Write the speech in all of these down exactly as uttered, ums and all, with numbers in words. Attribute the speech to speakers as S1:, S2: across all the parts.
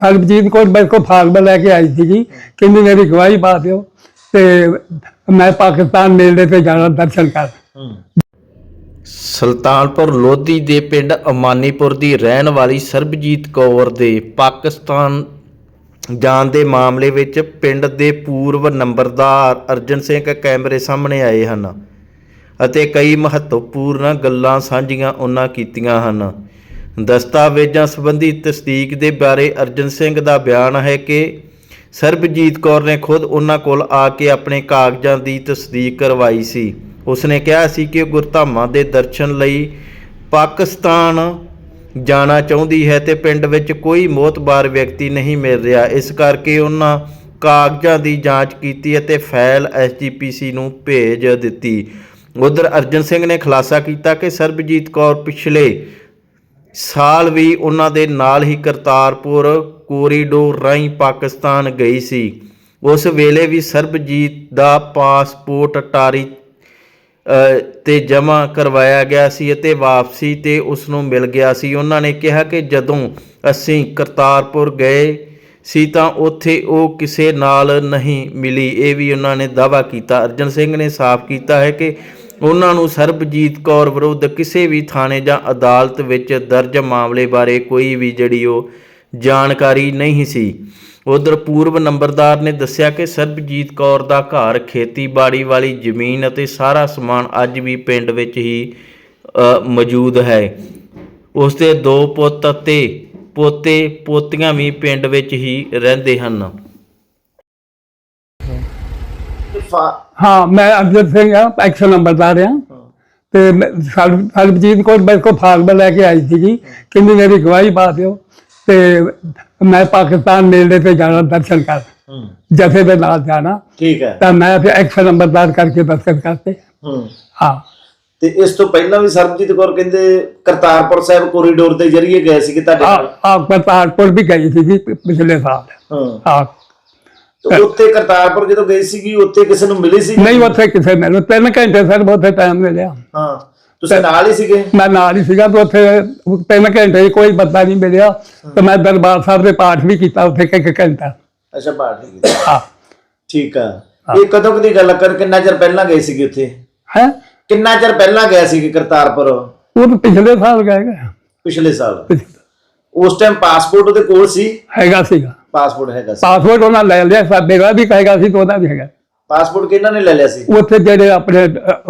S1: ਸਰਬਜੀਤ ਕੌਰ ਮੇਰੇ ਕੋਲ ਫਾਰਮ ਲੈ ਕੇ ਆਈ ਸੀਗੀ, ਕਹਿੰਦੀ ਮੇਰੀ ਗਵਾਹੀ ਪਾ ਦਿਓ ਤੇ ਮੈਂ ਪਾਕਿਸਤਾਨ ਮੇਲੇ ਤੇ ਜਾਣਾ ਦਰਸ਼ਨ ਕਰ।
S2: ਸੁਲਤਾਨਪੁਰ ਲੋਧੀ ਦੇ ਪਿੰਡ ਅਮਾਨੀਪੁਰ ਦੀ ਰਹਿਣ ਵਾਲੀ ਸਰਬਜੀਤ ਕੌਰ ਦੇ ਪਾਕਿਸਤਾਨ ਜਾਣ ਦੇ ਮਾਮਲੇ ਵਿੱਚ ਪਿੰਡ ਦੇ ਪੂਰਵ ਨੰਬਰਦਾਰ ਅਰਜਨ ਸਿੰਘ ਕੈਮਰੇ ਸਾਹਮਣੇ ਆਏ ਹਨ ਅਤੇ ਕਈ ਮਹੱਤਵਪੂਰਨ ਗੱਲਾਂ ਸਾਂਝੀਆਂ ਉਹਨਾਂ ਕੀਤੀਆਂ ਹਨ। ਦਸਤਾਵੇਜ਼ਾਂ ਸੰਬੰਧੀ ਤਸਦੀਕ ਦੇ ਬਾਰੇ ਅਰਜਨ ਸਿੰਘ ਦਾ ਬਿਆਨ ਹੈ ਕਿ ਸਰਬਜੀਤ ਕੌਰ ਨੇ ਖੁਦ ਉਹਨਾਂ ਕੋਲ ਆ ਕੇ ਆਪਣੇ ਕਾਗਜ਼ਾਂ ਦੀ ਤਸਦੀਕ ਕਰਵਾਈ ਸੀ। ਉਸਨੇ ਕਿਹਾ ਸੀ ਕਿ ਗੁਰਧਾਮਾਂ ਦੇ ਦਰਸ਼ਨ ਲਈ ਪਾਕਿਸਤਾਨ ਜਾਣਾ ਚਾਹੁੰਦੀ ਹੈ ਤੇ ਪਿੰਡ ਵਿੱਚ ਕੋਈ ਮੋਹਤਬਾਰ ਵਿਅਕਤੀ ਨਹੀਂ ਮਿਲ ਰਿਹਾ, ਇਸ ਕਰਕੇ ਉਹਨਾਂ ਕਾਗਜ਼ਾਂ ਦੀ ਜਾਂਚ ਕੀਤੀ ਅਤੇ ਫਾਈਲ ਐਸ ਜੀ ਪੀ ਸੀ ਨੂੰ ਭੇਜ ਦਿੱਤੀ। ਉਧਰ ਅਰਜਨ ਸਿੰਘ ਨੇ ਖੁਲਾਸਾ ਕੀਤਾ ਕਿ ਸਰਬਜੀਤ ਕੌਰ ਪਿਛਲੇ ਸਾਲ ਵੀ ਉਹਨਾਂ ਦੇ ਨਾਲ ਹੀ ਕਰਤਾਰਪੁਰ ਕੋਰੀਡੋਰ ਰਾਹੀਂ ਪਾਕਿਸਤਾਨ ਗਈ ਸੀ। ਉਸ ਵੇਲੇ ਵੀ ਸਰਬਜੀਤ ਦਾ ਪਾਸਪੋਰਟ ਅਟਾਰੀ ਤੇ ਜਮ੍ਹਾਂ ਕਰਵਾਇਆ ਗਿਆ ਸੀ ਅਤੇ ਵਾਪਸੀ ਤੇ ਉਸ ਨੂੰ ਮਿਲ ਗਿਆ ਸੀ। ਉਹਨਾਂ ਨੇ ਕਿਹਾ ਕਿ ਜਦੋਂ ਅਸੀਂ ਕਰਤਾਰਪੁਰ ਗਏ ਸੀ ਤਾਂ ਉੱਥੇ ਉਹ ਕਿਸੇ ਨਾਲ ਨਹੀਂ ਮਿਲੀ, ਇਹ ਵੀ ਉਹਨਾਂ ਨੇ ਦਾਅਵਾ ਕੀਤਾ। ਅਰਜਨ ਸਿੰਘ ਨੇ ਸਾਫ਼ ਕੀਤਾ ਹੈ ਕਿ ਉਹਨਾਂ ਨੂੰ ਸਰਬਜੀਤ ਕੌਰ ਵਿਰੁੱਧ ਕਿਸੇ ਵੀ ਥਾਣੇ ਜਾਂ ਅਦਾਲਤ ਵਿੱਚ ਦਰਜ ਮਾਮਲੇ ਬਾਰੇ ਕੋਈ ਵੀ ਜਿਹੜੀ ਉਹ ਜਾਣਕਾਰੀ ਨਹੀਂ ਸੀ। ਉਧਰ ਪੂਰਵ ਨੰਬਰਦਾਰ ਨੇ ਦੱਸਿਆ ਕਿ ਸਰਬਜੀਤ ਕੌਰ ਦਾ ਘਰ, ਖੇਤੀਬਾੜੀ ਵਾਲੀ ਜ਼ਮੀਨ ਅਤੇ ਸਾਰਾ ਸਮਾਨ ਅੱਜ ਵੀ ਪਿੰਡ ਵਿੱਚ ਹੀ ਮੌਜੂਦ ਹੈ। ਉਸ ਦੇ ਦੋ ਪੁੱਤ ਅਤੇ ਪੋਤੇ ਪੋਤੀਆਂ ਵੀ ਪਿੰਡ ਵਿੱਚ ਹੀ ਰਹਿੰਦੇ ਹਨ।
S1: हाँ, मैं अरजन सिंह हाँ, एक्स नंबरदार हाँ। तो सरबजीत कौर मेरे को फार्म लैके आई थी, कहती मेरी गवाही पा दो तो मैं पाकिस्तान मेले पे जाना दर्शन कर, जथे के नाल जाना। ठीक है। तो मैं फिर एक्स नंबरदार करके दर्शन करते। हाँ।
S3: ਤੇ ਇਸ ਤੋਂ ਪਹਿਲਾਂ ਵੀ ਸਰਬਜੀਤ ਕੌਰ ਕਹਿੰਦੇ ਕਰਤਾਰਪੁਰ ਸਾਹਿਬ ਕੋਰੀਡੋਰ ਦੇ ਜ਼ਰੀਏ ਗਏ ਸੀ ਕਿ ਤੁਹਾਡੇ ਨਾਲ?
S1: ਹਾਂ, ਕਰਤਾਰਪੁਰ ਵੀ ਗਈ ਸੀ ਪਿਛਲੇ ਸਾਲ। ਹਾਂ।
S3: ਤੇ ਉੱਥੇ ਕਰਤਾਰਪੁਰ ਜਦੋਂ ਗਈ ਸੀਗੀ ਉੱਥੇ ਕਿਸੇ ਨੂੰ ਮਿਲੀ ਸੀ?
S1: ਨਹੀਂ, ਉੱਥੇ ਕਿਸੇ ਮੈਨੂੰ ਤਿੰਨ ਘੰਟੇ ਸਰ ਉੱਥੇ ਟਾਈਮ ਮਿਲਿਆ।
S3: ਹਾਂ, ਤੁਸੀਂ ਨਾਲ ਹੀ ਸੀਗੇ?
S1: ਮੈਂ ਨਾਲ ਹੀ ਸੀਗਾ। ਤੇ ਉੱਥੇ ਤਿੰਨ ਘੰਟੇ ਕੋਈ ਬੰਦਾ ਨਹੀਂ ਮਿਲਿਆ ਤੇ ਮੈਂ ਦਰਬਾਰ ਸਾਹਿਬ ਦੇ ਪਾਠ ਵੀ ਕੀਤਾ ਉੱਥੇ ਇੱਕ ਘੰਟਾ।
S3: ਅੱਛਾ, ਪਾਠ ਵੀ ਕੀਤਾ।
S1: ਹਾਂ,
S3: ਠੀਕ ਆ। ਇਹ ਕਦੋਂ ਕਦੀ ਗੱਲ ਕਰ, ਕਿੰਨਾ ਚਿਰ ਪਹਿਲਾਂ ਗਏ ਸੀਗੇ ਉੱਥੇ?
S1: ਹੈ
S3: ਕਿੰਨਾ ਚਿਰ ਪਹਿਲਾਂ ਗਏ ਸੀਗੇ ਕਰਤਾਰਪੁਰ?
S1: ਉਹ ਤਾਂ ਪਿਛਲੇ ਸਾਲ ਗਏ ਗਏ।
S3: ਪਿਛਲੇ ਸਾਲ? ਉਸ ਟਾਈਮ ਪਾਸਪੋਰਟ ਉਹਦੇ ਕੋਲ ਸੀ?
S1: ਹੈਗਾ ਸੀਗਾ ਪਾਸਪੋਰਟ।
S3: ਹੈਗਾ ਸੀ
S1: ਪਾਸਪੋਰਟ ਉਹਨਾਂ ਲੈ ਲਿਆ, ਮੇਰਾ ਵੀ ਕਹੇਗਾ ਸੀ ਤੇ ਉਹਦਾ ਵੀ ਹੈਗਾ।
S3: ਪਾਸਪੋਰਟ ਕਿਹਨਾਂ ਨੇ ਲੈ ਲਿਆ ਸੀ?
S1: ਉੱਥੇ ਜਿਹੜੇ ਆਪਣੇ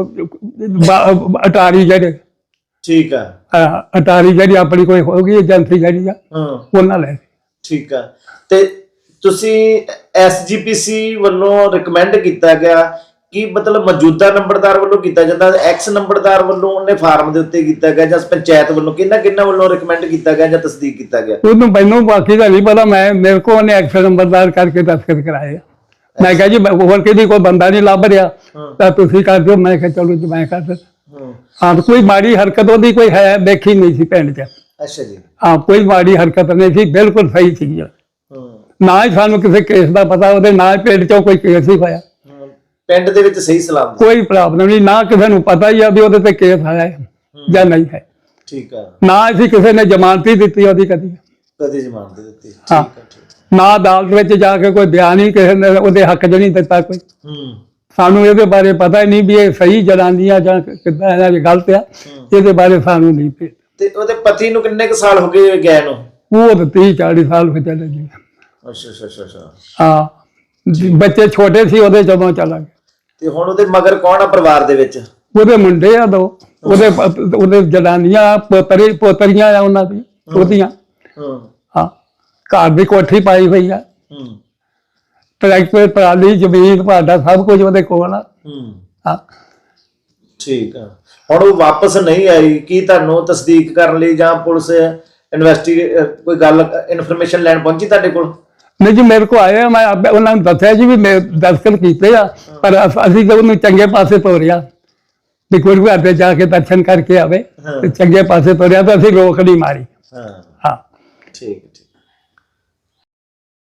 S1: ਅਟਾਰੀ ਜਿਹੜੇ।
S3: ਠੀਕ ਆ।
S1: ਅਟਾਰੀ ਜਿਹੜੀ ਆਪਣੀ ਕੋਈ ਹੋਊਗੀ ਏਜੰਸੀ ਜਿਹੜੀ ਆ, ਉਹਨਾਂ ਲੈ।
S3: ਠੀਕ ਆ। ਤੇ ਤੁਸੀਂ ਐਸ ਜੀ ਪੀ ਸੀ ਵੱਲੋਂ ਰਿਕਮੈਂਡ ਕੀਤਾ ਗਿਆ ਕਿ ਮਤਲਬ ਮੌਜੂਦਾ ਨੰਬਰਦਾਰ ਵੱਲੋਂ ਕੀਤਾ ਜਾਂਦਾ, ਐਕਸ ਨੰਬਰਦਾਰ ਵੱਲੋਂ ਉਹਨੇ ਫਾਰਮ ਦੇ ਉੱਤੇ ਕੀਤਾ ਗਿਆ, ਜਾਂ ਪੰਚਾਇਤ ਵੱਲੋਂ ਕਿਹਨਾਂ ਕਿਹਨਾਂ ਵੱਲੋਂ ਰਿਕਮੈਂਡ ਕੀਤਾ ਗਿਆ ਜਾਂ ਤਸਦੀਕ ਕੀਤਾ ਗਿਆ?
S1: ਉਹਨੂੰ ਮੈਨੂੰ ਬਾਕੀ ਦਾ ਨਹੀਂ ਪਤਾ। ਮੈਂ ਮੇਰੇ ਕੋਲ ਉਹਨੇ ਐਕਸ ਨੰਬਰਦਾਰ ਕਰਕੇ ਦਸਤਖਤ ਕਰਾਏ। ਮੈਂ ਕਿਹਾ ਜੀ ਹੋਰ ਕਿਹਦੀ ਕੋਈ ਬੰਦਾ ਨਹੀਂ ਲੱਭ ਰਿਹਾ ਤਾਂ ਤੁਸੀਂ ਕਰ ਦਿਓ। ਮੈਂ ਕਿਹਾ ਚਲੋ ਜੀ ਮੈਂ ਕਰ ਦਿੰਦਾ। ਹਾਂ, ਕੋਈ ਮਾੜੀ ਹਰਕਤ ਉਹਦੀ ਕੋਈ ਹੈ ਦੇਖੀ ਨਹੀਂ ਸੀ ਪਿੰਡ 'ਚ।
S3: ਅੱਛਾ ਜੀ।
S1: ਹਾਂ, ਕੋਈ ਮਾੜੀ ਹਰਕਤ ਨਹੀਂ ਸੀ, ਬਿਲਕੁਲ ਸਹੀ ਸੀ। ਨਾ ਹੀ ਸਾਨੂੰ ਕਿਸੇ ਕੇਸ ਦਾ ਪਤਾ ਉਹਦੇ, ਨਾ ਹੀ ਪਿੰਡ 'ਚੋਂ ਕੋਈ ਕੇਸ ਹੀ ਹੋਇਆ।
S3: ਪਿੰਡ ਦੇ ਵਿੱਚ ਸਹੀ ਸਲਾਮ
S1: ਕੋਈ ਪ੍ਰੋਬਲਮ ਨਹੀਂ, ਨਾ ਕਿਸੇ ਨੂੰ ਪਤਾ ਹੀ ਆ ਵੀ ਉਹਦੇ ਤੇ ਕੇਸ ਆਇਆ ਹੈ ਜਾਂ ਨਹੀਂ ਹੈ।
S3: ਠੀਕ ਆ।
S1: ਨਾ ਅਸੀਂ ਕਿਸੇ ਨੇ ਜ਼ਮਾਨਤ ਹੀ ਦਿੱਤੀ ਉਹਦੀ ਕਦੀ
S3: ਕਦੀ ਜ਼ਮਾਨਤ ਦਿੱਤੀ?
S1: ਹਾਂ। ਨਾ ਅਦਾਲਤ ਵਿੱਚ ਜਾ ਕੇ ਕੋਈ ਬਿਆਨ ਹੀ ਕਿਸੇ ਨੇ ਉਹਦੇ ਹੱਕ 'ਚ ਨਹੀਂ ਦਿੱਤਾ ਕੋਈ। ਸਾਨੂੰ ਇਹਦੇ ਬਾਰੇ ਪਤਾ ਹੀ ਨਹੀਂ ਵੀ ਇਹ ਸਹੀ ਜਨਾਨੀਆਂ ਜਾਂ ਕਿੱਦਾਂ ਇਹਨਾਂ ਦੀ ਗਲਤ ਆ, ਇਹਦੇ ਬਾਰੇ ਸਾਨੂੰ ਨਹੀਂ ਪਤਾ।
S3: ਤੇ ਉਹਦੇ ਪਤੀ ਨੂੰ ਕਿੰਨੇ ਕੁ ਸਾਲ ਹੋ ਗਏ ਗਏ ਨੂੰ?
S1: ਉਹ ਤਾਂ ਤੀਹ ਚਾਲੀ ਸਾਲ ਹੋ ਚਲੇ ਗਏ।
S3: ਅੱਛਾ ਅੱਛਾ ਅੱਛਾ।
S1: ਹਾਂ, ਬੱਚੇ ਛੋਟੇ ਸੀ ਉਹਦੇ ਜਦੋਂ ਚਲਾ ਗਿਆ।
S3: ਤੇ ਹੁਣ ਉਹਦੇ ਮਗਰ ਕੌਣ ਆ ਪਰਿਵਾਰ ਦੇ ਵਿੱਚ?
S1: ਉਹਦੇ ਮੁੰਡੇ ਆ ਦੋ, ਉਹਦੇ ਉਹਦੇ ਜਨਾਨੀਆਂ ਪੋਤਰੀ ਪੋਤਰੀਆਂ ਆ ਉਹਨਾਂ ਦੀ ਉਹਦੀਆਂ। ਹਾਂ, ਘਰ ਦੀ ਕੋਠੀ ਪਾਈ ਹੋਈ ਆ, ਟਰੈਕਟਰ ਪਰਾਲੀ ਜ਼ਮੀਨ ਭਾਡਾ ਸਭ ਕੁਝ ਉਹਦੇ ਕੋਲ ਆ। ਹਾਂ,
S3: ਠੀਕ ਆ। ਹੁਣ ਉਹ ਵਾਪਸ ਨਹੀਂ ਆਈ, ਕੀ ਤੁਹਾਨੂੰ ਤਸਦੀਕ ਕਰਨ ਲਈ ਜਾਂ ਪੁਲਿਸ ਇਨਵੈਸਟੀਗੇਟ ਕੋਈ ਗੱਲ ਇਨਫੋਰਮੇਸ਼ਨ ਲੈਣ ਪਹੁੰਚੀ ਤੁਹਾਡੇ ਕੋਲ?
S1: ਨਹੀਂ ਜੀ, ਮੇਰੇ ਕੋਲ ਆਏ। ਮੈਂ ਉਹਨਾਂ ਨੂੰ ਦੱਸਿਆ ਜੀ ਵੀ ਮੈਂ ਦਸਤਖਤ ਕੀਤੇ ਆ, ਪਰ ਅਸੀਂ ਤਾਂ ਉਹਨੂੰ ਚੰਗੇ ਪਾਸੇ ਤੋਰਿਆ ਵੀ ਗੁਰੂ ਘਰ ਤੇ ਜਾ ਕੇ ਦਰਸ਼ਨ ਕਰਕੇ ਆਵੇ ਤੇ ਚੰਗੇ ਪਾਸੇ ਤੋਰਿਆ ਤਾਂ ਅਸੀਂ ਰੋਕ ਨਹੀਂ ਮਾਰੀ। ਹਾਂ,
S3: ਠੀਕ।